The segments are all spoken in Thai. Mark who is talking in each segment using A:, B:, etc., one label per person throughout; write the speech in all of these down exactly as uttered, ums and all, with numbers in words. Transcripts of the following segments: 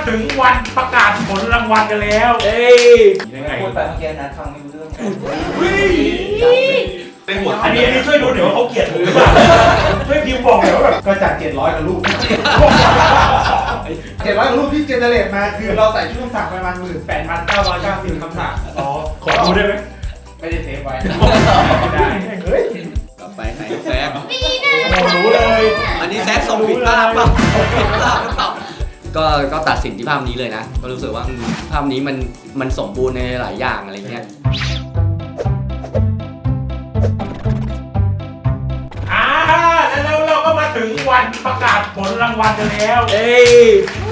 A: ถึงวันประกาศผลรางวัลกันแล้วเอ้ยยังไง
B: พูดไปเมื่อกี้นะฟังไม่รู้เรื่อง
A: เป็นหัวอันนี้ช่วยดูหน่อยว่าเขาเกลียดผมหรือเปล่าช่วยพิมพ์บอกหน่อยว่าแบบก็จากเจ็ดร้อยกับลูก
C: เจ็ดร้อยกว่ารูปที่เจเนเรตมาคือเราใส่ชุดคำสั่งประมาณหมื่นแปดพันเก้าร้อยเก้าสิบคำสั่ง
A: อ๋อขอดูได้ไหม
C: ไม่ได้เซฟไว้
A: ได้เฮ้ย
D: กลับไปไหนแซก
A: โอ้รู้เลย
D: อันนี้แซกส่งผิดภาพป่ะผิดภาพหรือเปล่าก็ก็ตัดสินที่ภาพนี้เลยนะก็รู้สึกว่าภาพนี้มันมันสมบูรณ์ในหลายอย่างอะไรเงี้ย
A: อ่าแล้วเราก็มาถึงวันประกาศผลรางวัลกันแล้ว
D: เอ้ย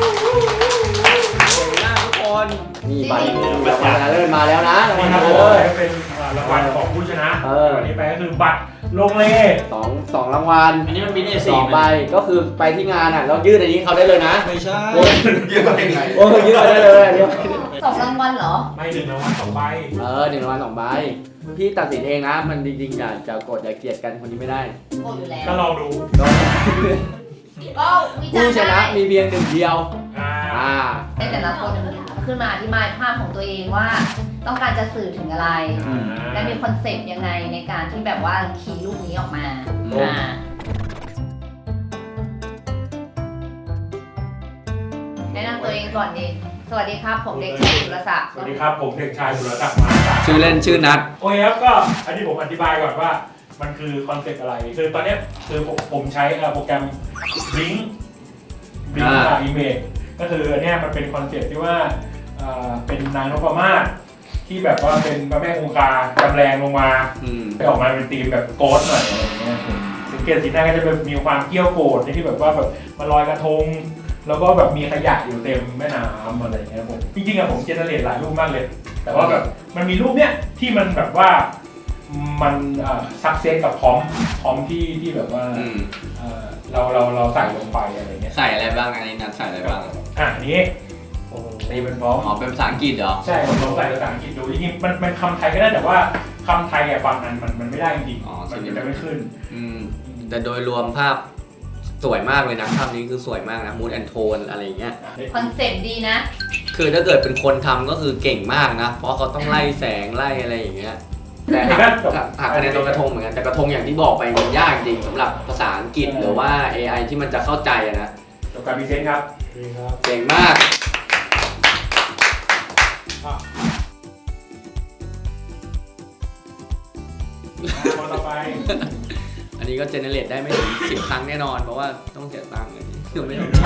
D: ทุกคนนี่บัตรรางวัลชนะเลิศมาแล้วนะรางวัลชนะเลิศ
A: เป็นรางวัลของผู้ชนะวันนี้ไปก็คือบัตรลงเล
D: สองสองรางวัล
B: อันนี้มันมีเนี่ย
D: สองใบก็คือไปที่งานอ่ะแล้วยื่นอันนี้เขาได้เลยนะ
B: ไม่ใช่
C: ยื่นไปยังไง
D: โอ้ยยื่นไปได้เลยอันนี้
E: สองรางวัลเหรอ
A: ไม่หนึ่งรางวัลสองใบ
D: เออหนึ่งรางวัลสองใบพี่ตัดสินเองนะมันจริงๆอย่าจะกดอย่าเกลียดกันคนนี้ไม่ได้
E: โกรธอยู่แล้ว
A: ก็ลองดู
E: ก็
D: ผู้ชนะมีเพียงหนึ่งเดียว
A: อ่า
E: ให้แต่ละคนขึ้นมาอธิบายภาพของตัวเองว่าต้องการจะสื่อถึงอะไรและมีคอนเซ็ปต์ยังไงในการที่แบบว่าคีย์รูปนี้ออกมาอ่าแนะนำตัวเองก่อนดิสวัสดีครับผมเด็กชายสุรศักดิ์
A: สวัสดีครับผมเด็กชายสุรศักดิ์มา
D: ชื่อเล่นชื่อนัท
A: โอเคครับก็อันนี้ผมอธิบายก่อนว่ามันคือคอนเซ็ปต์อะไรคือตอนนี้คือผมใช้โปรแกรม Blink Blink กับ Image ก็คืออันนี้มันเป็นคอนเซ็ปต์ที่ว่าเป็นนางนพมาศที่แบบว่าเป็นพระแม่คงคาจำแรงลงมาไปออกมาเป็นธีมแบบโกสหน่อยอะไรเงี้ยสังเกตสีหน้าก็จะแบบมีความเกี้ยวโกรธที่แบบว่าแบบมาลอยกระทงแล้วก็แบบมีขยะอยู่เต็มแม่น้ำอะไรเงี้ยผมจริงๆอะผมเจเนเรตหลายรูปมากเลยแต่ว่าแบบมันมีรูปเนี้ยที่มันแบบว่ามันซักเซสกับพร้อมพร้อมที่ที่แบบว่าเราเราเราใส่ลงไปอะไรเงี้ย
D: ใส่อะไรบ้างอันนี้นัทใส่อะไรบ้าง
A: อ่ะนี้โอ้นี่เป็นพร้อม
D: อ๋อเป็นภาษาอังกฤษเหรอ
A: ใช่ผมลองใส่ภาษาอังกฤษดูจริงๆมันมันคำไทยก็ได้แต่ว่าคำไทยอะบางอันมันมันไม่ได้จริงๆมันจะไม่ขึ้น
D: อืมแต่โดยรวมภาพสวยมากเลยนะภาพนี้คือสวยมากนะมูดแอนโทนอะไรเงี้ย
E: คอนเซ็ปต์ดีนะ
D: คือถ้าเกิดเป็นคนทำก็คือเก่งมากนะเพราะเขาต้องไล่แสงไล่อะไรอย่างเงี้ยแต่หักคะแนนตรงกระทงเหมือนกันแต่กระทงอย่างที่บอกไปมันยากจริงสำหรับภาษาอังกฤษหรือว่า เอ ไอ ที่มันจะเข้าใจนะ
A: จบการพรีเซนต์ครับ
D: เก่งมาก
A: ต่อไป
D: อันนี้ก็เจเนเรตได้ไม่ถึงสิบครั้งแน่นอนเพราะว่าต้องเสียตังค์เลยคือไม่ต้อง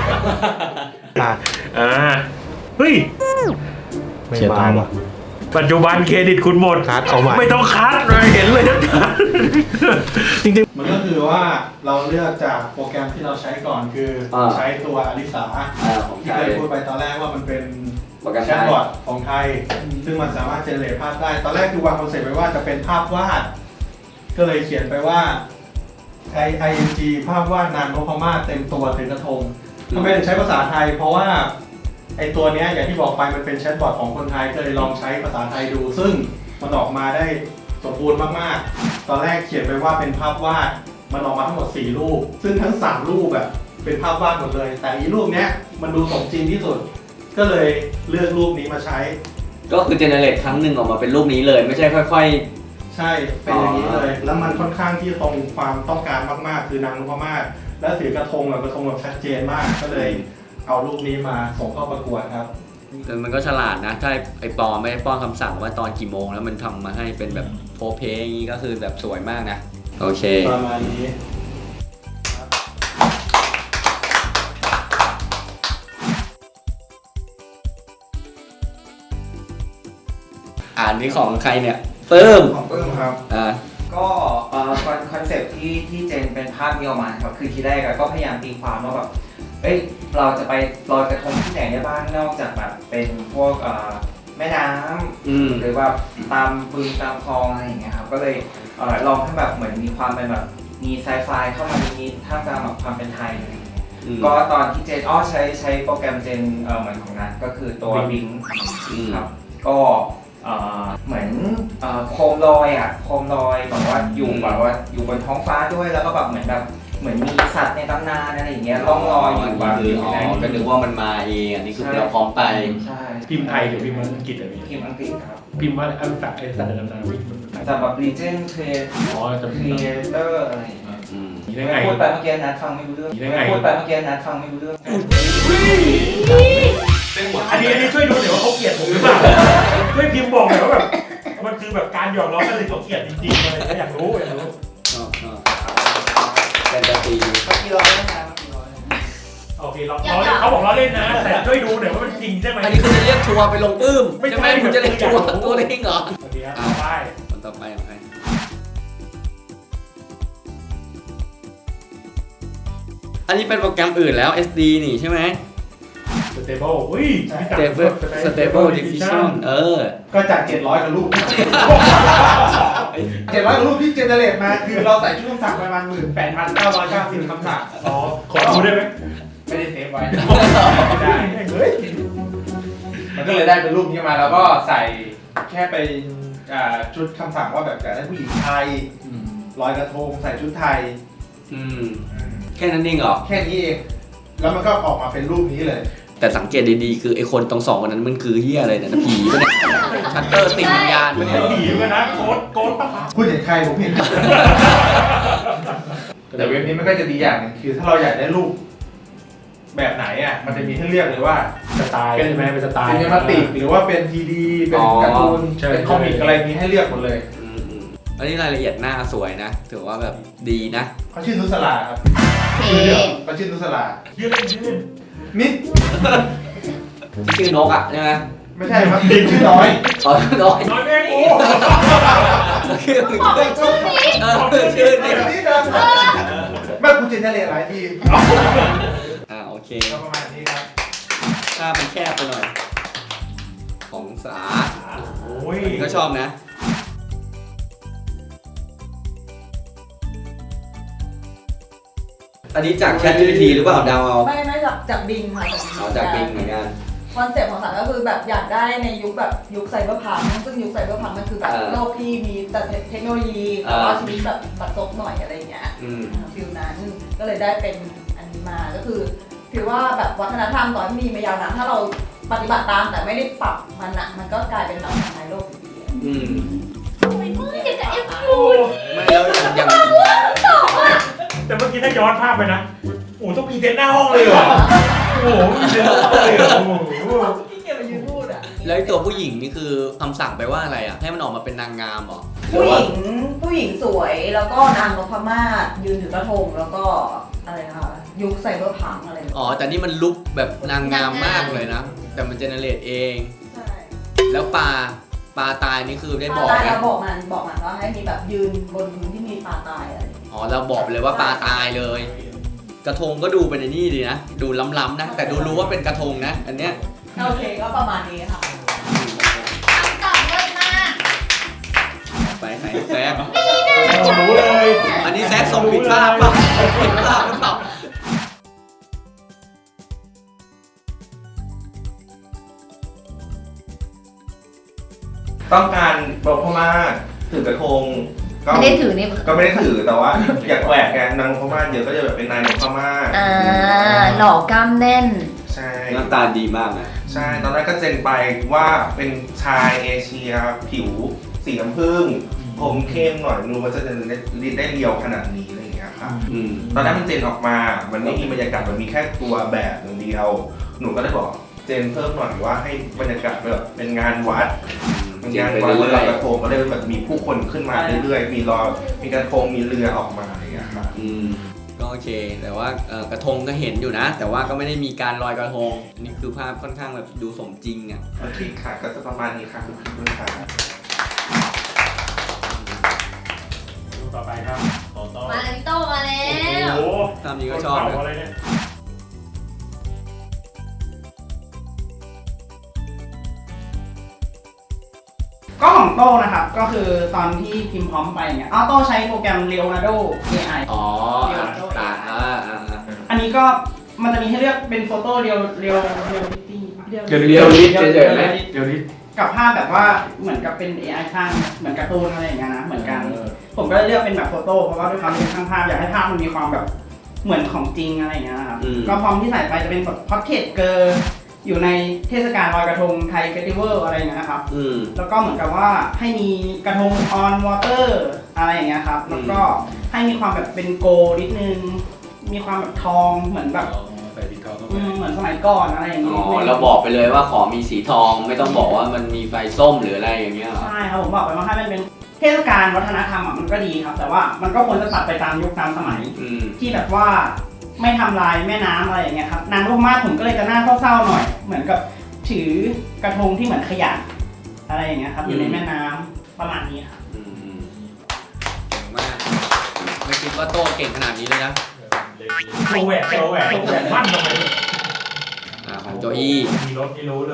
A: อ่าเฮ้ย
C: เสียตังค์ว่ะ
A: ปัจจุบันเครดิตคุณหมด
C: คัดเอาใหม่
A: ไม่ต้องคัดเลยเห็นเลยนะจริง
C: ๆมันก็คือว่าเราเลือกจากโปรแกรมที่เราใช้ก่อนคือใช้ตัวอลิสาที่เคยพูดไปตอนแรกว่ามันเป็นแชทบอทของไทยซึ่งมันสามารถเจเนเรตภาพได้ตอนแรกคือวางคอนเซ็ปต์ไว้ว่าจะเป็นภาพวาดก็เลยเขียนไปว่า ไอ ไอ เอ็น จี ภาพวาดนางนพมาศเต็มตัวถือกระทงทำไมถึงใช้ภาษาไทยเพราะว่าไอตัวนี้อย่างที่บอกไปมันเป็นแชทบอทของคนไทยก็เลยลองใช้ภาษาไทยดูซึ่งมันออกมาได้สมบูรณ์มากๆตอนแรกเขียนไปว่าเป็นภาพวาดมันออกมาทั้งหมดสี่รูปซึ่งทั้งสามรูปแบบเป็นภาพวาดหมดเลยแต่อีรูปนี้มันดูสมจริงที่สุดก็เลยเลือกรูปนี้มาใช้
D: ก็คือเจเนเรตครั้งหนึ่งออกมาเป็นรูปนี้เลยไม่ใช่ค่อย
C: ๆใช่เป็นอย่างนี้เลยแล้วมันค่อนข้างที่ตรงความต้องการมากๆคือนางนพมาศและถือกระทงแบบกระทงแบบชัดเจนมากก็เลยเอารูปนี้มาส่งเข้าประกวดครับ
D: แต่มันก็ฉลาดนะถ้าไอปอไม่ได้ป้อนคำสั่งว่าตอนกี่โมงแล้วมันทำมาให้เป็นแบบโพเพอย่างนี้ก็คือแบบสวยมากนะโอเค
C: ประมาณนี้
D: อ่านนี้ของใครเนี่ยเพิ่ม
B: ของเพิ่มครับ
D: อ่า
B: ก็คอนเซ็ปต์ที่ที่เจนเป็นภาพนี้ออกมาครับคือทีแรกก็พยายามตีความว่าแบบเอ้ยเราจะไปลอยกระทงที่ไหนได้บ้างนอกจากแบบเป็นพวกแม่น้ำหรือว่าตามบึงตามคลองอะไรอย่างเงี้ยครับก็เลยลองให้แบบเหมือนมีความเป็นแบบมีไซไฟเข้ามานิดๆท่ามกลางแบบความเป็นไทยอะไรอย่างเงี้ยก็ตอนที่เจนอ้อใช้ใช้โปรแกรมเจนเหมือนของนั้นก็คือตัวบิงครับก็เหมือนโคมลอยอ่ะโคมลอยแบบว่าอยู่แบบว่าอยู่บนท้องฟ้าด้วยแล้วก็แบบเหมือนแบบเหมือนมีสัตว์ในตำนานอะไรอย่างเงี้ยล่องลอยอยู่บาง
D: คืออ๋อก็นึกว่ามันมาเองอันนี้คือเราพร้อมไป
B: ใช่
A: พิมพ์ไทยหรือพิมพ์อังกฤษอะไร
B: ทีมอังกฤษครับ
A: พิมพ์ว่าอันสัตว์ไอ้สัตว์ในตำนานวิ
B: จะแบบ Legend Trade
A: อ๋อจะพิมพ์
B: Creator อะไรอย่างเงี้ย
D: อืม
A: ได้ไง
B: พูดไปเมื่อกี้นัดฟังไม่รู้เรื่อง
A: ได้ไง
B: พูดไปเมื่อกี้นัดฟังไม่รู้เรื่อง
A: อันนี้อันนี้ช่วยดูหน่อยว่าเขาเกลียดผมหรือเปล่าช่วยพิมพ์บอกหน่อยว่าแบบมันคือแบบการหยอกล้อกันเลยเขาเกลียดจริงๆอะไรอยากรู้อยากรู้
D: ชอบชอบแฟนตาซี
B: เมื่อกี้ร้อยนะเมื่อกี้ร้อย
A: โอเคเราเราเขาบอกเราเล่นนะแต่ช่วยดูหน่อยว่ามันจริงใช่ไหม
D: อันนี้คือจะเรียกทัวร์ไปลงปื้ม
A: ไม่
D: ใช่ไหม
A: ใช่
D: คุณจะเรียกทัวร์ตัวเองเหรอ
A: โอเคครับต่อไป
D: คนต่อไปของใครอันนี้เป็นโปรแกรมอื่นแล้ว เอส ดี นี่ใช่ไหม
A: Stable อุ้ย
D: Stable Stable Diffusion เออ
C: ก็จากเจ็ดร้อยกับรูปเจ็ดร้อยกับรูปที่เจเนเรตมาคือเราใส่ชุดคำสั่งประมาณหมื่นแปดพันเก้าร้อยเก้าสิบคำสั่ง
A: อ๋อขอดูได้ไหม
C: ไม่ได้เซฟไว้ไม่ได้เฮ้ยมันก็เลยได้เป็นรูปนี้มาแล้วก็ใส่แค่เป็นอ่าชุดคำสั่งว่าแบบอยากได้ผู้หญิงไทยลอยกระทงใส่ชุดไทย
D: อืมแค่นั้นเองเหรอ
C: แค่นี้เองแล้วมันก็ออกมาเป็นรูปนี้เลย
D: แต่สังเกตดีๆคือไอคนตรงสองคนนั้นมันคือเฮียอะไรเนี่ยนะผีปะเนี่ยชัตเตอร์ติดวิญญาณปะเนี่ย
A: ผีกันนะโค้ดโค้ดปะครับ
C: พูดเห็นใครผมเห็น แต่เว็บนี้มันก็จะดีอย่างหนึงคือถ้าเราอยากได้รูปแบบไหนอ่ะมันจะมีให้เลือกเลยว่า
A: สไตล์ใช่ไหมเป็นสไตล์
C: เป็นเนมาติกหรือว่าเป็นทีดีเป็นการ์ตูนเป็นคอมิกอะไรมีให้เลือกหมดเลย
D: อืมอืมอันนี้รายละเอียดหน้าสวยนะถือว่าแบบดีนะ
C: เขาชื่อนุสลาครับ
E: เอ
C: เขาชื่อนุสลา
A: ยืดเล่นยืดเล่น
C: นิด
D: ชื่อนกอ่ะใช่ไหม
C: ไม่ใช่ครับชื่อน้อย
D: อ๋อน้อย
A: น้อยแม่กู
D: คือ
E: บอกเป็นชื่อนี้
D: เออชื่อ
C: นิ
D: นี่
C: ดนิดนะแม่กูเจเนเรตหลายที
D: อ่าโอเค
C: ก็ประมาณนี้ครับ
D: ถ้ามันแคบไปหน่อย ของสา
A: โอ้ย
D: ก็ชอบนะ อันนี้จาก ChatGPT หรือเปล่าดาวเอา
F: ไม่ไม่จากจากบิงค่ะ
D: เอาจากบิงเหมือนกัน
F: คอนเซ็ปต์ของสารก็คือแบบอยากได้ในยุคแบบยุคไซเบอร์พังก์ซึ่งยุคไซเบอร์พังก์มันคือแบบ
D: เออ
F: โลกที่มีแต่เทคโนโลยี
D: เอ
F: แต่
D: อ
F: ว่าชีวิตแบบบัดซบหน่อยอะไรอย่างเงี้ย
D: อืม
F: ฟิลนั้นก็เลยได้เป็นอันนี้มาก็คือถือว่าแบบวัฒนธรรมตอนมีมายาวนานถ้าเราปฏิบัติตามแต่ไม่ได้ปรับมันอะมันก็กลายเป็นแบบทำลายโลกอยู่ดีอะ
D: อืม
E: โอ้ยมึงอยากจะเอฟยู
D: ไม่แล้วอย่าง
A: แต่เมื่อกี้ถ้าย้อนภาพไปนะโอ้ต้องมีเต็นท์หน้าห้องเลยเหรอโอ้โหมีเต็นท์หน้าห้องเลยเหรอโอ้โห
F: ที่เกียจไปยืนพูดอะ
D: แล้วไอ้ตัวผู้หญิงนี่คือคำสั่งไปว่าอะไรอ่ะ ให้มันออกมาเป็นนางงามเหรอ
F: ผู้หญิงผู้หญิงสวยแล้วก็นางนพมาศยืนถือกระทงแล้วก็อะไรนะคะยุคไซเบอร์พังก์อะไรอย่างเงี้ย
D: อ๋อ แต่นี่มันลุกแบบนางงามมากเลยนะ แต่มันเจเนเรตเอง
F: ใช่
D: แล้วปลาปลาตายนี่คือได้บอก
F: ตาย
D: ไหม
F: เราบอกมันบอกมันว่าให้มีแบบยืนบนพื้นที่มีปลาตายอะไรอย่างเงี้ย
D: อ๋อ เราบอกไปเลยว่าปลาตายเลย กระทงก็ดูเป็นไอ้นี่ดีนะ ดูล้ำๆนะ แต่ดูรู้ว่าเป็นกระทงนะ อันเนี้ย
F: โอเคก็ประมาณนี้ค่ะ
E: ตอบเลยมาก
D: ไปไหนแซก
A: เรารู้เลย
D: อันนี้แซกส่งผิดภาพเปล่าผิดภาพหรือเปล่า
G: ต้องการบอกพม่าถือกระทงก็
E: ไม่ได้ถือนี่
G: ก็ไม่ได้ถือแต่ว่าอยากแหวกไงนางนพม่าเยอะก็จะแบบเป็นนายนพม่า
E: อ่าหล่อกล้ามแน่น
G: ใช่
D: หน้าตาดีมากนะ
G: ใช่ตอนแรกก็เจนไปว่าเป็นชายเอเชียผิวสีน้ำผึ้งผมเข้มหน่อยนูมันจะได้ได้เรียวขนาดนี้อะไรอย่างเงี้ยค่ะ
D: อืม
G: ตอนแรกมันเจนออกมา มันไม่มีบรรยากาศมันมีแค่ตัวแบบอย่างเดียว หนูก็เลยบอกเจนเพิ่มหน่อยว่าให้บรรยากาศแบบเป็นงานวัด เป็นงานวัดลอยกระทงก็เลยแบบมีผู้คนขึ้นมาเรื่อยๆ มีรอมีกระทงมีเรือออกมาอะไรอย่างเงี้ยค่ะ
D: อืม ก็โอเค แต่ว่าเอ่อกระทงก็เห็นอยู่นะ แต่ว่าก็ไม่ได้มีการลอยกระทง อันนี้คือภาพค่อนข้างแบบดูสมจริงอ่ะ
G: โอเคค่ะก็จะประมาณนี้ค่ะคุณพี่คุณค่ะ
A: ดูต่อไปครับต่อต่อ
E: มาเลยพี่โตมาแล้
A: โอ้
E: ว
A: โห
D: ภาพนี้ก็ชอบ
A: คน
D: นะ
A: เผาอะไรเนี่ย
H: ก็ของโต้นะครับ ก็คือตอนที่พิมพ์พร้อมไปเนี่ยอ้าวโต้ใช้โปรแกรม Leonardo เอ ไอ
D: อ๋ออ่ะตาอ่าอ่าอ่า
H: อันนี้ก็มันจะมีให้เลือกเป็นโฟโต้เรียวเรียวเรียลลิตี้
D: เรียวลิสเฉยๆไหม
A: เดี๋ยวนี้
H: กับภาพแบบว่าเหมือนกับเป็น เอ ไอ สร้างเหมือนการ์ตูนอะไรอย่างเงี้ยนะเหมือนกัน ผมก็เลยเลือกเป็นแบบโฟโต้เพราะว่าด้วยความที่เป็นช่างภาพอยากให้ภาพมันมีความแบบเหมือนของจริงอะไรอย่างเงี้ยครับ
D: อืม
H: ก็พร้อมที่ใส่ไปจะเป็นแบบพ็อกเก็ตเกิร์อยู่ในเทศกาลลอยกระทงไทยเฟสติวัลอะไรอย่างเงี้ยนะครับ
D: อืม
H: แล้วก็เหมือนกับว่าให้มีกระทงออนวอเตอร์อะไรอย่างเงี้ยครับ แล้วก็ให้มีความแบบเป็นโกลนิดนึง มีความแบบทองเหมือนแบบ
A: ใส่ปิดทองเข้าไป
H: อืมเหมือนสมัยก่อนอะไรอย่าง
D: อ๋
H: เงี้
D: อย เราบอกไปเลยว่าขอมีสีทองไม่ต้องบอกว่ามันมีไฟส้มหรืออะไรอย่างเงี้ยเหรอ
H: ใช่ครับผมบอกไปว่าถ้ามันเป็นเทศกาลวัฒนธรรมอ่ะมันก็ดีครับ แต่ว่ามันก็ควรจะตัดไปตามยุคตามสมัย
D: อืม
H: ที่แบบว่าไม่ทำลายแม่น้ำอะไรอย่างเงี้ยครับนางลูกมาศผมก็เลยจะน่าเศร้าๆหน่อย เหมือนกับถือกระทงที่เหมือนขยะอะไรอย่างเงี้ยครับอยู่ในแม่น้ำประมาณนี้ครับ
D: อืมอืมเก่งมากไม่คิดว่าโต้เก่งขนาดนี้เลยนะ
A: โชว์แหวนโชว์แหวนโชว์แหวนมั่นลงไป
D: อ่าของโจอี้
A: มีรถที่รู้เลย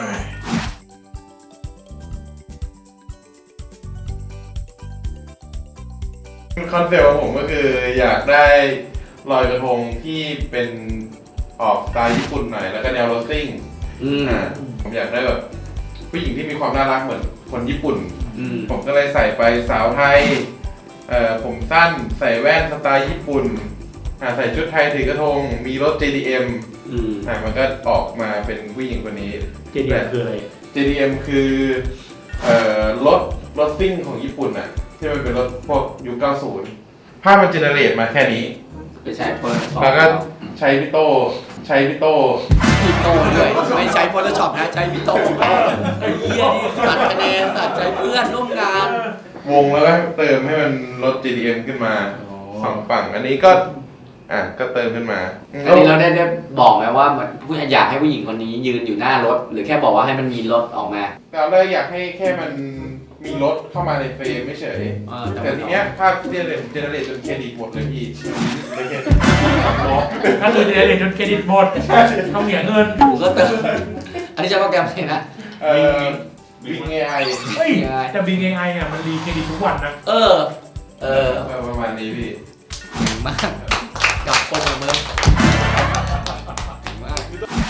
G: คอนเซ็ปต์ของผมก็คืออยากได้ลอยกระทงที่เป็นออกสไตล์ญี่ปุ่นหน่อยแล้วก็แนวโรสซิ่ง
D: อืม
G: อ่าผมอยากได้แบบผู้หญิงที่มีความน่ารักเหมือนคนญี่ปุ่น
D: อืม
G: ผมก็เลยใส่ไปสาวไทยเอ่อผมสั้นใส่แว่นสไตล์ญี่ปุ่นอ่าใส่ชุดไทยถือกระทงมีรถ เจ ดี เอ็ม
D: อืม
G: อ่ามันก็ออกมาเป็นผู้หญิงคนนี้
A: เจดีย์คืออะไร
G: เจ ดี เอ็ม คือเอ่อรถรถซิ่งของญี่ปุ่นน่ะที่มันเป็นรถพวกยุคเก้าสิบภาพมันเจเนเรตมาแค่นี้
D: ไปใช้เฟิร์ส
G: แล้วก็ใช้พี่โตใช้พี่โต
D: พี่โต้ด้วยไม่ใช้ Photoshop นะใช้พี่โต้ไอ้เหี้ยนี่ตัดคะแนนตัดใจเพื่อนร่วมงาน
G: วงแล้วก็เติมให้มันรถ เจ ดี เอ็ม ขึ้นมาสองฝั่งอันนี้ก็อ่ะก็เติมขึ้นมา
D: อันนี้เราได้ได้บอกไหมว่ามันผู้อยากให้ผู้หญิงคนนี้ยืนอยู่หน้ารถ หรือแค่บอกว่าให้มันมีรถออกมา
G: เราเลยอยากให้แค่มันมีรถเข้ามาในเฟรมไม่เฉย
D: เออแต่
G: แต่
D: ว่า
G: ทีเนี้ยภาพเจเนเรตเจเนเรตจนเครดิตหมดเลยพี่เลยแค่
A: ถ้าคือเจเนเรตจนเครดิตหมดต้องเสียเงิน
D: กูก็เติมอันนี้ใช้โปรแกรมอะไรนะ
G: เอ่อวิงเอไอ
A: เฮ้ยแต่บิงเอไออ่ะมันรีเครดิตทุกวันนะ
D: เออ เออ
G: ประมาณนี้พี่
D: เก่งมากกับคนของมึงเก่งมาก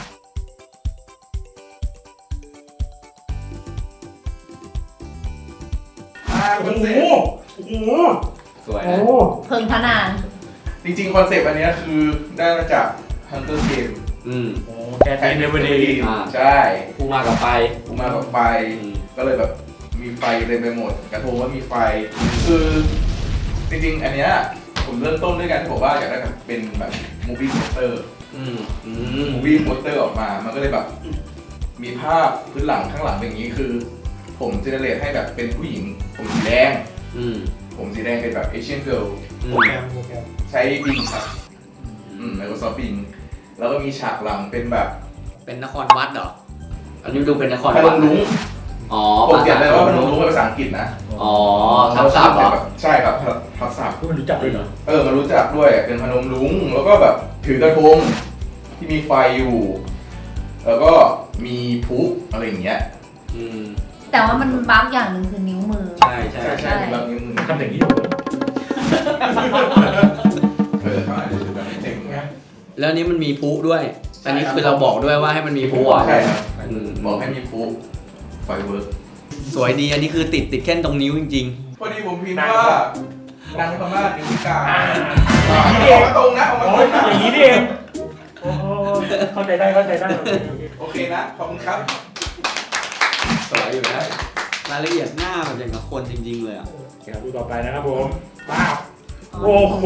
G: อ่าค
A: โอ้
G: อน
A: โห
G: เซ็ปต์
A: โอ้โห
D: สวย
A: โอ้
D: นะ
A: โห
E: เพิ่งพนาน
G: จริงๆคอนเซ็ปต์อันเนี้ยคือได้มาจาก Hunter Game
D: อืม
A: โอ้แกเป็นเดวิดดี
D: อ่า
G: ใช่
D: กูมากับไฟ
G: ผมมากับไฟ
D: อืม
G: ก็เลยแบบมีไฟเต็มไปหมด กระทงก็มีไฟ คือจริงๆ อันเนี้ยผมเริ่มต้นด้วยกันที่บอกว่าอยากได้แบบเป็นแบบมูฟี่โปสเตอร์
D: อืมอืม
G: มูฟี่โปสเตอร์ออกมา มันก็เลยแบบมีภาพพื้นหลังข้างหลังอย่างนี้คือ ผมเจเนเรตให้แบบเป็นผู้หญิง ผมสีแดง
D: อืม
G: ผมสีแดงเป็นแบบเอเชียนเกิร์ล
D: อื
A: โปร
D: ม
A: แกรมโปรแกรม
G: ใช้บิงครับ อืม Microsoft Bing แล้วก็มีฉากหลังเป็นแบบ
D: เป็นนครวัดเหรอ อันนี้ดูเป็นนคร
G: พน
D: วัด
G: มรุ้ง
D: อ๋อ
G: ผมเขียนเลยว่าพนมรุ้งเป็นภาษาอังกฤษนะ
D: อ๋อทับศัพท์เหรอ
G: ใช่ครับทับศัพท์
A: พวกมันรู้จักด้วยเหรอ
G: เออมารู้จักด้วยเป็นพนมรุ้งแล้วก็แบบถือกระทงที่มีไฟอยู่ แล้วก็มีพลุอะไรอย่างเงี้ย
D: อืม
E: แต่ว่ามันบั๊กอย่างหนึ่งคือนิ้วมือ
D: ใช่ใช่
G: ใช่
D: ใช่
G: ใช่มีแบบนิ้วมือ
A: ทำอย่างนี้
G: เออเขาอาจจะแบบเจ๋งไง
D: แล้วนี้มันมีพลุด้วย อันนี้คือเราบอกด้วยว่าให้มันมีพลุอ่ะ
G: ใช่ครับ
D: อืม
G: บอกให้มีพลุไฟเวิร์ก
D: สวยดี อันนี้คือติดติดแค่ตรงนิ้วจริง
G: พอดีผมพิมพ์ว่านางพม่านิ้วพิการ
A: อ่า
G: ออกมาตรงนะออกมา
A: โอ้
G: ตร
A: ย
G: งนะ
A: อย่างนี้นี่เองโอ้โหเข้าใจได้เข้าใจได้
G: โอเคนะขอบคุณครับ
D: ๆ สวยอยู่นะรายละเอียดหน้าแบบอย่างกับคนจริงๆเลยอ่ะ
A: เดี๋ยวดูต่อไปนะครับผมป้าบโอ้โห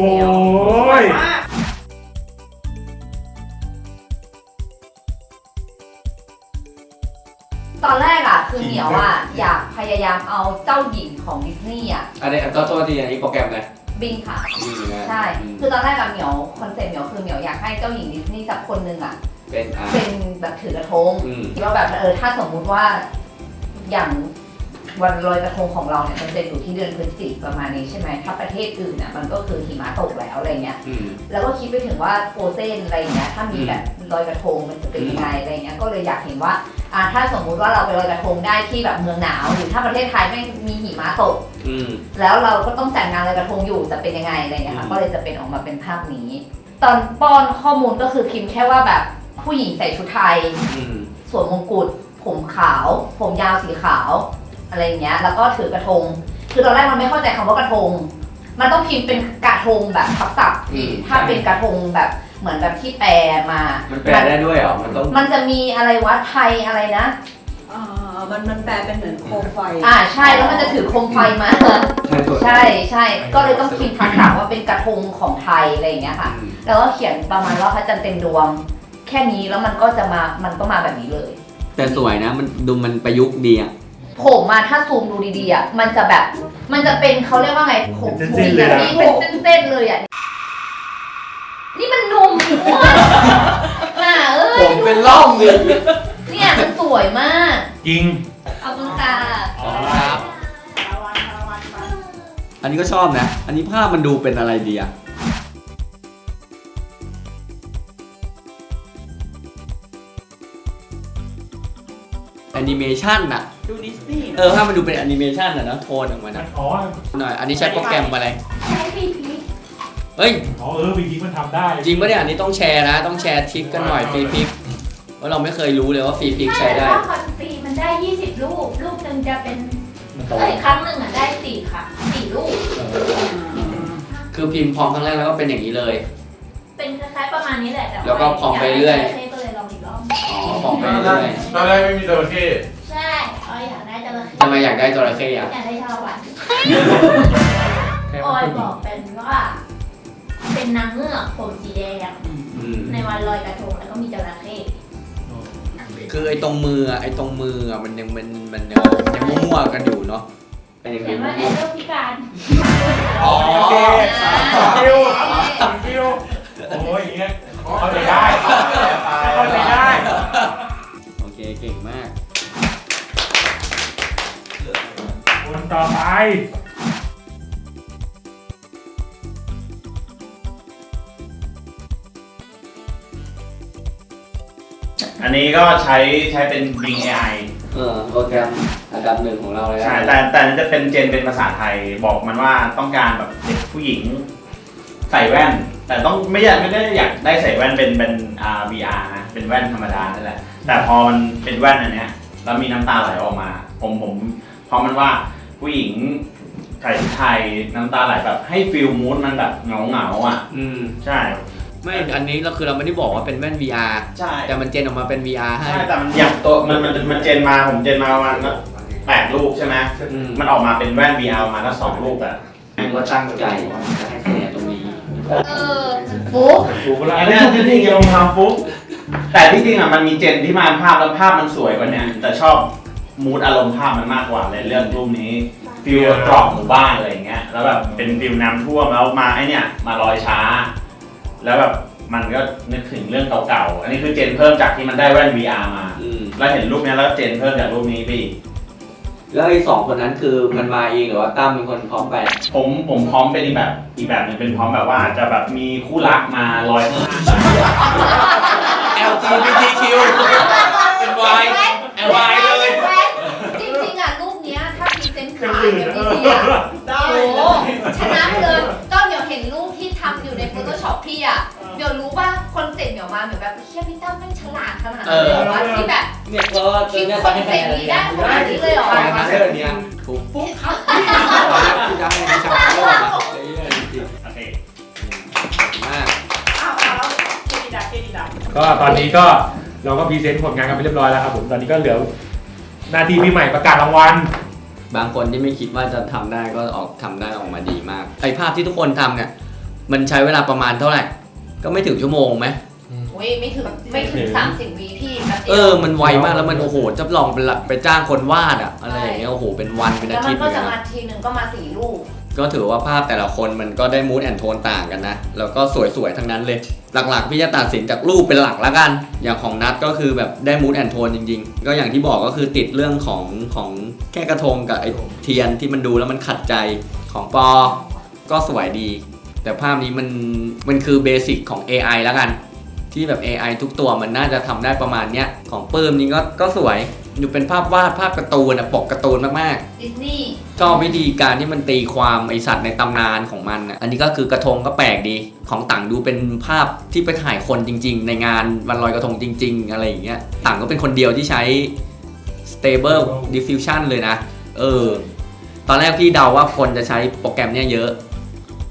E: ตอนแรกอ่ะคือเหมียวอ่ะอยากพยายามเอาเจ้าหญิงของดิสนีย์อ่ะ
D: อันนี้ก็โทษทีอันนี้โปรแกรมอะไร
E: บิงค่ะ
D: นี่เหมือนกัน
E: ใช่
D: อืม
E: คือตอนแรกอะเหมียวคอนเซ็ปต์เหมียวคือเหมียวอยากให้เจ้าหญิงดิสนีย์สักคนหนึ่งอะ
D: เป็นอ่า
E: เป็นแบบถือกระทง
D: อืม
E: คิดว่าแบบเออถ้าสมมุติว่าอย่างวันลอยกระทงของเราเนี่ยมันจะอยู่ที่เดือนพฤศจิกประมาณนี้ใช่ไหมถ้าประเทศอื่นอ่ะมันก็คือหิมะตกแล้วอะไรเงี้ย
D: อืม
E: แล้วก็คิดไปถึงว่าโฟเซนอะไรอย่างเงี้ยถ้ามีแบบลอยกระทงมันจะเป็นยังไงอะไรเงี้ยก็เลยอยากเห็นว่าอ่าถ้าสมมุติว่าเราไปลอยกระทงได้ที่แบบเมืองหนาวหรือถ้าประเทศไทยไม่มีหิมะตก
D: อืม
E: แล้วเราก็ต้องจัดงานลอยกระทงอยู่จะเป็นยังไงอะไรเงี้ย
D: อื
E: ค่ะ
D: ม
E: ก็เลยจะเป็นออกมาเป็นภาพนี้ ตอนป้อนข้อมูลก็คือพิมพ์แค่ว่าแบบผู้หญิงใส่ชุดไทย
D: อืม
E: สวมมงกุฎผมขาว ผมยาวสีขาวอะไรอย่างเงี้ยแล้วก็ถือกระทง คือตอนแรกมันไม่เข้าใจคำว่ากระทงมันต้องพิมพ์เป็นกระทงแบบทับศัพท์
D: อืม
E: ถ้าเป็นกระทงแบบเหมือนแบบที่แปลมา
D: มันแปลได้ด้วยเหรอมันต้อง
E: มันจะมีอะไรวะไทยอะไรนะ
F: อ่ามันมันแปลเป็นเหมือนโคมไฟ
E: อ่าใช่แล้วมันจะถือโคมไฟมา ใช่ใช่ก็เลยต้องพิมพ์ทักษะว่าเป็นกระทงของไทยอะไรอย่างเงี้ยค่ะ แล้วก็เขียนประมาณว่าพระจันทร์เต็มดวง แค่นี้แล้วมันก็จะมามันก็มาแบบนี้เลย
D: แต่สวยนะมันดูมันประยุกต์ดีอ่ะ
E: ผมมาถ้าซูมดูดีๆอ่ะมันจะแบบมันจะเป็นเขาเรียกว่าไงผม
A: เป็นเส้นๆเลยนะ
E: นี่เป็นเส้นๆเลยอ่ะนี่มันนุ่มอ้วนอ่ะเอ้ย
D: ผมเป็นร่องเลย
E: เนี่ยมันสวยมาก
A: จริง
E: เอาคุณค่ะ
D: ครับอันนี้ก็ชอบนะ อันนี้ภาพมันดูเป็นอะไรดีอ่ะแอนิเมชันอะ
H: ดูดิสนีย์
D: เออถ้ามันดูเป็นแอนิเมชันอะนะโทนออกมา
A: มั
D: นะ
A: นอ๋อ
D: หน่อยอันนี้ใช้โปรแกรมอะไร
E: ใช้พี่พี
D: เฮ้ย
A: อ๋อเออวิธีมันทำได้
D: จริงปะเนี่ยอันนี้ต้องแชร์นะ ต้องแชร์ทริคกันหน่อยฟรีพิกเพราะเราไม่เคยรู้เลยว่าฟรีพิกใช้ได้
I: ถ้าคอนฟรีมันได้ยี่สิบลูก ลูกหนึ่งจะเป็นเอ้ยครั้งหนึ่งอ่ะได้สี่ค่ะสี่ลูก
D: คือพิมพ์พร้อมครั้งแรกแล้วก็เป็นอย่างนี้เลย
I: เป็นคล้ายๆประมาณนี้แหละแต่า
D: แล้วก็พร้อมไปเรื่อย
I: ากได้จระเข้ก็เลยลองอีกรอบ
D: อ๋อพร้อมไปเรื่อย
G: ตอนแรกไม่มีจระเข้
I: ใช่ออยอยากได้จระเข้
D: ทำไมอยากได้จระเข้อะ
I: อยากได้ชาละวัน
A: แค่
I: ออย
A: มัน
I: บอกเป็นว่า เป็นนางเงือกผมสีแดง
D: อืม
I: ในวันลอยกระทงแล้วก็มีจระเข้
D: คือไอ้ตรงมืออะไอ้ตรงมืออะมันยังมันมันยังยังมั่วๆกันอยู่เนาะเป็นอย่าง
I: เขีย
D: นี้
I: นว่าแอโรพิการ
D: อ๋อ
A: โอเคคิวคิวโอ้ยอย่างเงี้ยเข้าใจได้เข้าใจได้
D: โอเคเก่งมาก
A: คนต่อไป
J: อันนี้ก็ใช้ใช้เป็น Bing เอ ไอ
D: เออโปรแกรมอันดับหนึ่งของเราเลย
J: ใช่แต่แต่นั้นจะเป็นเจนเป็นภาษาไทยบอกมันว่าต้องการแบบเด็กผู้หญิงใส่แว่น แต่ต้องไม่อยากไม่ได้อยากได้ใส่แว่นเป็นเป็นอ่า วี อาร์ นะเป็นแว่นธรรมดานั่นแหละแต่พอมันเป็นแว่นอันเนี้ยแล้วมีน้ำตาไหลออกมา ผมผมเพราะมันว่าผู้หญิงใส่ชุดไทยน้ำตาไหลแบบให้ฟิลมูดมันแบบเหงาเหงาๆอ่ะ
D: อืม
J: ใช่
D: ไม่อันนี้เราคือเราไม่ได้บอกว่าเป็นแว่น วี อาร์
J: ใช่
D: แต่มันเจนออกมาเป็น วี อาร์ ให้
J: ใช่แต่มันอย่างตัวมันมันมันเจนมาผมเจนมาประมาณแปดลูกใช่ไหม
D: อืม
J: มันออกมาเป็นแว่น วี อาร์ มาแล้วสองลูกอะ
D: ก็ตั้งใจจะให้คะแนนตรงนี้
E: เออฟุ๊ก
A: ถูกแล้ว
J: อันนี้ที่จริงลงทำฟุ๊กแต่ที่จริงอ่ะมันมีเจนที่มาภาพแล้วภาพมันสวยกว่าเนี้ยแต่ชอบมูดอารมณ์ภาพมันมากกว่าเลยเรื่องรูปนี้ฟิลตรอกหมู่บ้านอะไรอย่างเงี้ยแล้วแบบเป็นฟิลน้ำท่วมแล้วมาไอเนี้ยมาลอยช้า แล้วแบบมันก็นึกถึงเรื่องเก่าๆอันนี้คือเจนเพิ่มจากที่มันได้แว่น วี อาร์ มา
D: อืม
J: แล้วเห็นรูปเนี้ยแล้วเจนเพิ่มจากรูปนี้ไปอีก
D: แล้วไอ้สองคนนั้นคือมันมาเองหรือว่าตั้มเป็นคนพร้อมไป
J: ผมผมพร้อมเป็นอีกแบบอีกแบบหนึงเป็นพร้อมแบบว่าอาจจะแบบมีคู่รักมาลอยข้างหน้า
D: แอล จี บี ที คิว เป็น Y แอล Y เลย
E: จริงๆอ่ะรูปเนี้ยถ้าพรีเซนต์ขายแบบดีๆอ่ะ
F: ได้
E: โอ้โหชนะไปเลยก็เดี๋ยวเห็นรูปที่ทำอยู่ใน Photoshop พี่อ่ะเดี๋ยวรู้ว่าคอนเซ็ปต์เดี๋ยวมาเหมือนแบบเฮียพี่ตั้มแม่งฉลาดขนาดนั้นเลยเหรอวะที่แบบ
D: เนี่ยเพราะว่า
E: คิดคอนเซ็ปต์นี้ได้ขนาดนี้เลยเหรอ
D: ใช่มาเซอร์เนี่ยถูกปุ๊บครับที่จะให้วิชาโลกนะเฮ้ยจริง
J: โอเค
D: ๆมาก
H: อ้าวแล้วเครดิตดักเครดิตดัก
A: ก็ตอนนี้ก็เราก็พรีเซนต์ผลงานกันไปเรียบร้อยแล้วครับผมตอนนี้ก็เหลือหน้าที่พี่ใหม่ประกาศรางวัล
D: บางคนที่ไม่คิดว่าจะทำได้ก็ออกทำได้ออกมาดีมากไอภาพที่ทุกคนทำเนี่ยมันใช้เวลาประมาณเท่าไหร่ ก็ไม่ถึงชั่วโมงไหม
E: โอ้ยไม่ถึงไม่ถึงสามสิบวิพี่แป๊บเดี
D: เอ
E: ยว
D: อมันไวมากแล้วมันโอ้โหจะลองไปละไปจ้างคนวาดอะอะไรอย่างเงี้ยโอ้โหเป็นวันเป็น
E: แล้
D: อาว
E: มั
D: ทิ
E: น
D: ตย์
E: ก็
D: เลย
E: จะ
D: นะ
E: มาทีหนึ่งก็มาสี่รูป
D: ก็ถือว่าภาพแต่ละคนมันก็ได้มูดแอนโทนต่างกันนะ แล้วก็สวยๆ ทั้งนั้นเลย หลักๆ พี่จะตัดสินจากรูปเป็นหลักแล้วกัน อย่างของนัทก็คือแบบได้มูดแอนโทนจริงๆ ก็อย่างที่บอกก็คือติดเรื่องของของแค่กระทงกับไอ้เทียนที่มันดูแล้วมันขัดใจของปอ ก็สวยดี แต่ภาพนี้มันมันคือเบสิกของ เอ ไอ แล้วกัน ที่แบบ เอ ไอ ทุกตัวมันน่าจะทำได้ประมาณเนี้ยของปื้มนี่ก็ก็สวยอยู่เป็นภาพวาดภาพการ์ตูนอะปกการ์ตูนมากๆ
E: ดิสนีย์
D: ชอบวิธีการที่มันตีความไอสัตว์ในตำนานของมันอ่ะ อันนี้ก็คือกระทงก็แปลกดี ของต่างดูเป็นภาพที่ไปถ่ายคนจริงๆ ในงานวันลอยกระทงจริงๆ อะไรอย่างเงี้ย ต่างก็เป็นคนเดียวที่ใช้ stable diffusion เลยนะ เออ ตอนแรกพี่เดาว่าคนจะใช้โปรแกรมเนี้ยเยอะ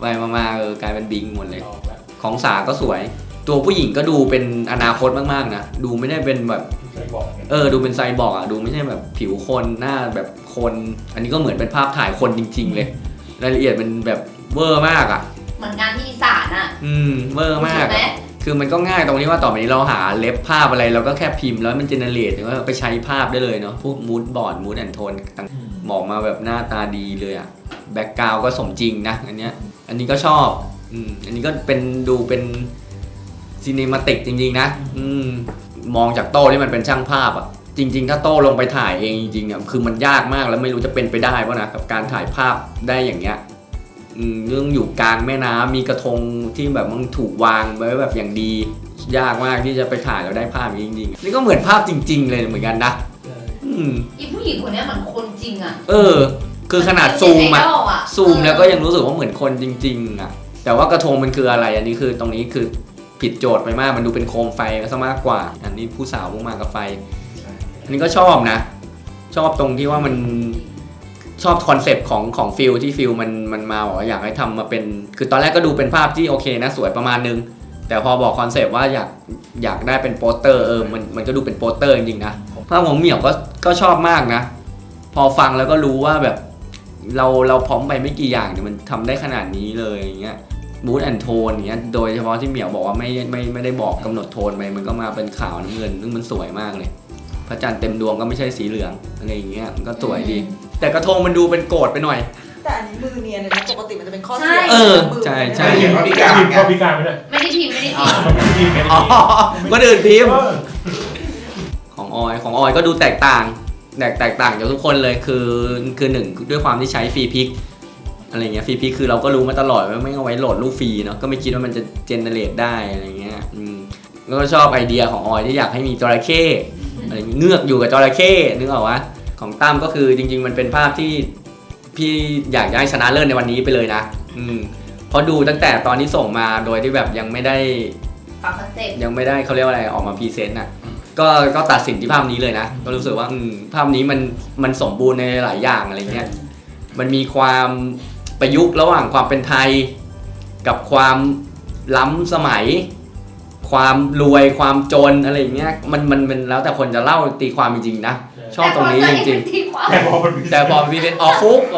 D: ไปมาๆเออกลายเป็นบิงหมดเลยของสาก็สวยตัวผู้หญิงก็ดูเป็นอนาคตมากๆนะดูไม่ได้เป็นแบบเออดูเป็นไซบอร์กอ่ะดูไม่ใช่แบบผิวคนหน้าแบบคนอันนี้ก็เหมือนเป็นภาพถ่ายคนจริงๆเลยรายละเอียดมันแบบเวอร์มากอ่ะ
E: เหมือนงานที่อีสานอ่ะ
D: อืมเวอร์มากคือมันก็ง่ายตรงที่ว่าต่อไปนี้เราหาเล็บภาพอะไรเราก็แค่พิมพ์แล้วมันเจเนเรตหรือว่าไปใช้ภาพได้เลยเนาะพวกมูดบอร์ดมูดแอนโทนบอกมาแบบหน้าตาดีเลยอ่ะแบ็กกราวด์ก็สมจริงนะอันเนี้ยอันนี้ก็ชอบอืมอันนี้ก็เป็นดูเป็นซีนิมาติกจริงๆนะอืมมองจากโต้ที่มันเป็นช่างภาพอ่ะจริงๆถ้าโต้ลงไปถ่ายเองจริงๆเนี่ยคือมันยากมากแล้วไม่รู้จะเป็นไปได้ป่ะนะกับการถ่ายภาพได้อย่างเงี้ยเรื่องอยู่กลางแม่น้ำมีกระทงที่แบบมันถูกวางไว้แบบอย่างดียากมากที่จะไปถ่ายแล้วได้ภาพจริงๆนี่ก็เหมือนภาพจริงๆเลยเหมือนกันนะ
E: อีผู้หญิงคนนี้เหมือนคนจริงอ่ะ
D: เออคือขนาดซูมอ่ะซูมแล้วก็ยังรู้สึกว่าเหมือนคนจริงๆอ่ะแต่ว่ากระทงมันคืออะไรอันนี้คือตรงนี้คือผิดโจทย์ไปมากมันดูเป็นโคมไฟซะมากกว่าอันนี้ผู้สาวลงมากับไฟอันนี้ก็ชอบนะชอบตรงที่ว่ามันชอบคอนเซปต์ของของฟิลที่ฟิลมันมันมาบอกว่าอยากให้ทำมาเป็นคือตอนแรกก็ดูเป็นภาพที่โอเคนะสวยประมาณนึงแต่พอบอกคอนเซปต์ว่าอยากอยากได้เป็นโปสเตอร์เออมันมันก็ดูเป็นโปสเตอร์จริงๆนะภาพของเหมียวก็ก็ชอบมากนะพอฟังแล้วก็รู้ว่าแบบเราเราพร้อมไปไม่กี่อย่างเนี่ยมันทำได้ขนาดนี้เลยอย่างเงี้ยมูดแอนโทนอย่างเงี้ยโดยเฉพาะที่เหมียวบอกว่าไม่ไม่ไม่ได้บอกกำหนดโทนไปมันก็มาเป็นขาวน้ำเงินซึ่งมันสวยมากเลยพระจันทร์เต็มดวงก็ไม่ใช่สีเหลืองอะไรอย่างเงี้ยมันก็สวยดีแต่กระทงมันดูเป็นโกรธไปหน่อย
F: แต่อันนี้มือเนียนเลยนะปกติมันจะเป็นข้อเสีย
D: เออใช่ใช่
A: พิมพ์พิการเขาพิการไม่ได้
E: ไม่ได้พิมพ์ไม่ได้พิมพ์
A: ไม่ได้พิมพ์ไม่ได้
D: พิมพ์ก็เดินพิมพ์ของออยของออยก็ดูแตกต่างแตกแตกต่างจากทุกคนเลยคือคือหนึ่งด้วยความที่ใช้ฟรีพิกอะไรเงี้ยฟรีพิกคือเราก็รู้มาตลอดว่าไม่เอาไว้โหลดรูปฟรีเนาะก็ไม่คิดว่ามันจะเจเนเรตได้อะไรเงี้ยอืมแล้วก็ชอบไอเดียของออยที่อยากให้มีจระเข้อะไรเงือกอยู่กับจระเข้นึกออกวะของตั้มก็คือจริงๆมันเป็นภาพที่พี่อยากจะให้ชนะเลิศในวันนี้ไปเลยนะอืมเพราะดูตั้งแต่ตอนที่ส่งมาโดยที่แบบยังไม่ได้
E: ปรับคอนเซ็ปต์
D: ยังไม่ได้เขาเรียกว่าอะไรออกมาพรีเซนต์อ่ะก็ก็ตัดสินที่ภาพนี้เลยนะก็รู้สึกว่าอืมภาพนี้มันมันสมบูรณ์ในหลายอย่างอะไรเงี้ยมันมีความประยุกต์ระหว่างความเป็นไทยกับความล้ำสมัยความรวยความจนอะไรเงี้ยมันมันมันแล้วแต่คนจะเล่าตีความจริงๆนะชอบตรงนี้จริงๆแต่พอแต่พอมีเป็นออฟุก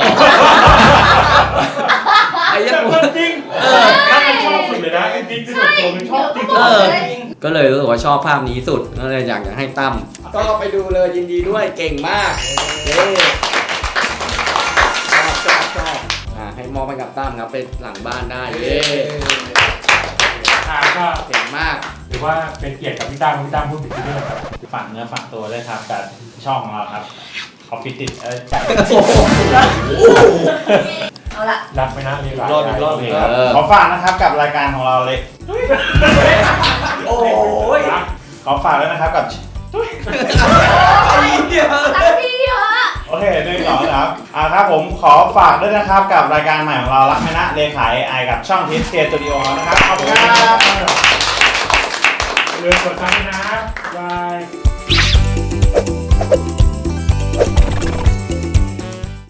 D: ไอ้ยัง
A: จริงเออถ้ามันชอบสุดเลยนะจริงๆคือแบบตัวมันชอบจริง
D: ก็เลยรู้สึกว่าชอบภาพนี้สุดก็เลยอยากจะให้ตั้มก็ไปดูเลยยินดีด้วยเก่งมากเย้ชอบชอบชอบอ่าให้มอบให้กับตั้มครับไปหลังบ้านได้เย้
A: อ่าก็
D: เก่งมาก
A: ถือว่าเป็นเกียรติกับพี่ตั้มพี่ตั้มพูดถึงที่นี่ครับ
J: ฝากเนื้อฝากตัวด้วยครับกับช่องของเราครับออฟฟิศติดเออจัด
E: เอาละ
A: รักไหมนะมีหลาย
J: รอบรอบขอฝากนะครับกับรายการของเราเลย
D: โอ้ย
J: ขอฝากด้วยนะครับกับโอเคหนึ่งสองครับอ่าครับผมขอฝากด้วยนะครับกับรายการใหม่ของเรารักไหมนะเลขาไอกับช่องทิสเตียสตูดิโอนะครับขอบคุณครับ